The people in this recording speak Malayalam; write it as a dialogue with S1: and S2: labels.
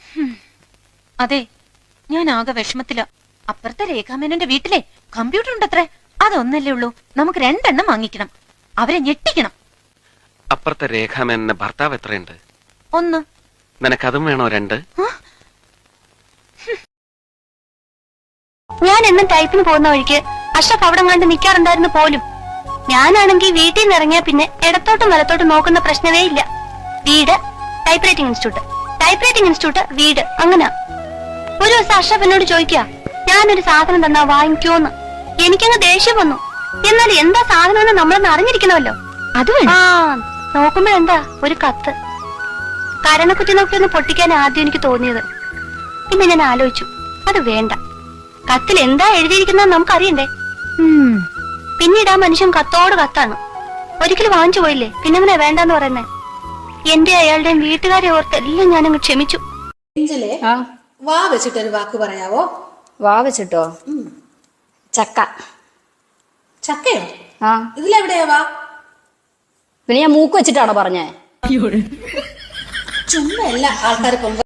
S1: അതെ, ഞാൻ ആകെ വിഷമത്തില. അപ്പുറത്തെ രേഖാമേനന്റെ വീട്ടിലെ കമ്പ്യൂട്ടർ ഉണ്ടത്രേ. അതൊന്നല്ലേ ഉള്ളൂ, നമുക്ക് 2 എണ്ണം വാങ്ങിക്കണം. അവരെ ഞെട്ടിക്കണം.
S2: അപ്പുറത്തെ രേഖാമേനന്റെ ഭർത്താവ് എത്രയുണ്ട്?
S1: 1.
S2: നിനക്കതും വേണോ 2?
S3: ഞാൻ എന്നും ടൈപ്പിന് പോകുന്ന വഴിക്ക് അഷ്റഫ് അവിടെ കണ്ട് നിൽക്കാറുണ്ടായിരുന്നു പോലും. ഞാനാണെങ്കിൽ വീട്ടിൽ നിന്ന് ഇറങ്ങിയ പിന്നെ ഇടത്തോട്ടും വലത്തോട്ടും നോക്കുന്ന പ്രശ്നമേ ഇല്ല. വീട്, type writing institute, type writing institute, വീട്, അങ്ങനെ. ഒരു ദിവസം അഷ്റഫ് എന്നോട് ചോദിക്കുക, ഞാനൊരു സാധനം തന്നാ വാങ്ങിക്കോന്ന്. എനിക്കങ്ങ് ദേഷ്യം വന്നു. എന്നാൽ എന്താ സാധനം നമ്മളൊന്ന് അറിഞ്ഞിരിക്കണമല്ലോ.
S1: അത്
S3: നോക്കുമ്പോഴെന്താ ഒരു കത്ത്. കരണക്കുറ്റി നോക്കി ഒന്ന് പൊട്ടിക്കാൻ ആദ്യം എനിക്ക് തോന്നിയത്. പിന്നെ ഞാൻ ആലോചിച്ചു, അത് വേണ്ട. കത്തിൽ എന്താ എഴുതിയിരിക്കുന്നത് നമുക്കറിയണ്ടേ. പിന്നീട് ആ മനുഷ്യൻ കത്തോട് കത്താണ്. ഒരിക്കലും വാങ്ങിച്ചു പോയില്ലേ, പിന്നെങ്ങനെ വേണ്ടെന്ന് പറയുന്നേ. എന്റെ അയാളുടെയും വീട്ടുകാരെ ഓർത്ത് എല്ലാം ഞാനങ്ങ് ക്ഷമിച്ചു.
S4: വാ വെച്ചിട്ടൊരു വാക്ക് പറയാവോ?
S5: വാ വെച്ചിട്ടോ? ചക്ക.
S4: ചക്കയോ?
S5: ആ,
S4: ഇതിലെവിടെയാ വാ?
S5: പിന്നെ ഞാൻ മൂക്ക് വെച്ചിട്ടാണോ പറഞ്ഞേ?
S4: ചുമ്മാ എല്ലാ ആൾക്കാർ